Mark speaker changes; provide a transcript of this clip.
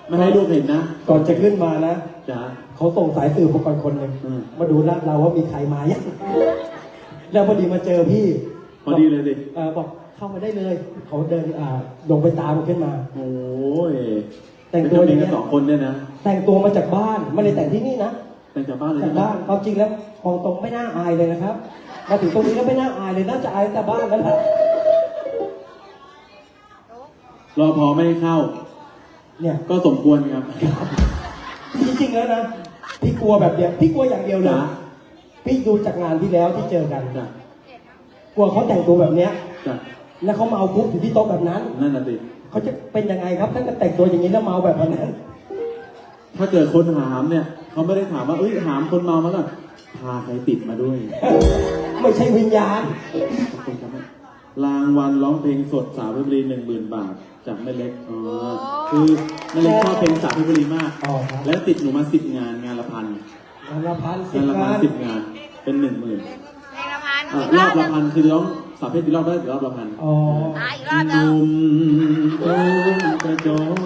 Speaker 1: ไม่ให้ลูกเห็นนะ
Speaker 2: ก่อนจะขึ้นมานะ
Speaker 1: จ้า
Speaker 2: เขาส่งสายสืบมาก่อนคนหนึ่งมาดูลาดเราว่ามีใครมายังแล้วพอดีมาเจอพี่
Speaker 1: พอดีเลยดิ
Speaker 2: บอกเข้ามาได้เลยเขาเดินลงไปตามขึ้นมา
Speaker 1: โอ้ย
Speaker 2: แต่งตัวอย่างนี้
Speaker 1: 2 คนเนี่ยนะ
Speaker 2: แต่งตัวมาจากบ้านไม่ได้แต่งที่นี่นะ
Speaker 1: แต่งจากบ้านเลย
Speaker 2: จากบ้านความจริงแล้วมองตรงไม่น่าอายเลยนะครับมาถึงตรงนี้แล้วไม่น่าอายเลยน่าจะอายแต่บ้านแล้วนะ
Speaker 1: รอพอไม่ให้เข้า
Speaker 2: เนี่ย
Speaker 1: ก็สมควรครับ
Speaker 2: จริงๆแล้วนะพี่กลัวแบบเดียวพี่กลัวอย่างเดียวเลยพี่ดูจากงานที่แล้วที่เจอกันกลัวเขาแต่งตัวแบบเนี้ยแล้วเขาเมาคุกอยู่ที่โต๊ะแบบนั้น
Speaker 1: นั่นน่ะสิ
Speaker 2: เขาจะเป็นยังไงครับถ้าเกิดแต่งตัวอย่างนี้แล้วเมาแบบนั้น
Speaker 1: ถ้าเกิดคนหามเนี่ยเขาไม่ได้ถามว่าหามคนเมามาแล้วพาใครติดมาด้วย
Speaker 2: ไม่ใช่วิญญาณ
Speaker 1: ขอบคุณครับรางวัลร้องเพลงสดสาวเพชรบุรี 10,000 บาทจากแม่เล็กคือแม่เล็กชอบเพลงสาวเพชรบุรีมากแล้วติดหนูมา10 งานงานละ1,00010 งานเป็น 10,000รอบละ1,000คือร้องสาวเพชรกี่รอบได้รอบละ1,000
Speaker 3: อีกรอบนึง
Speaker 1: นุ่มกระโจน